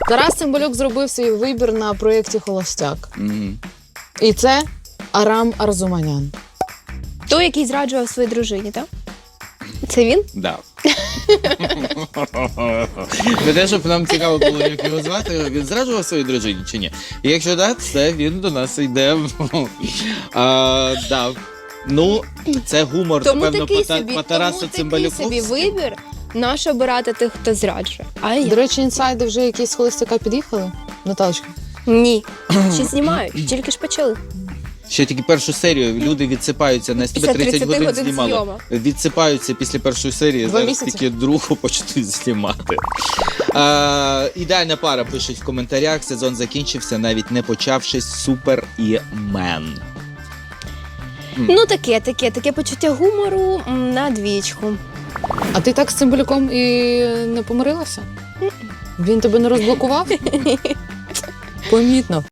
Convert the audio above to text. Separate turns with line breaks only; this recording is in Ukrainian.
Тарас Цимбалюк зробив свій вибір на проєкті «Холостяк».
Мгм.
І це Арам Арзуманян.
Той, який зраджував своїй дружині, так? Це він?
Да. Не те, щоб нам цікаво було, як його звати, він зраджував своїй дружині чи ні? І якщо так, це він до нас йде. Да. Ну, це гумор,
Тому
напевно,
такий
по Тарасу
собі
Цимбалюку.
вибір, наш обирати тих, хто зраджує. А
До
я?
речі, інсайди вже якісь з «Холостяка» під'їхали? Наталочка?
Ні. Ще знімають, тільки ж почали.
Ще тільки першу серію люди відсипаються, на
Після
30 годин
30
знімали.
зйомок.
Відсипаються після першої серії,
2
зараз
місяці.
тільки другу почнуть знімати. Ідеальна пара пишуть в коментарях. Сезон закінчився, навіть не почавшись. Супер і Мен.
Ну таке почуття гумору на двічку.
А ти так з Цимбалюком і не помирилася? Він тебе не розблокував? Помітно.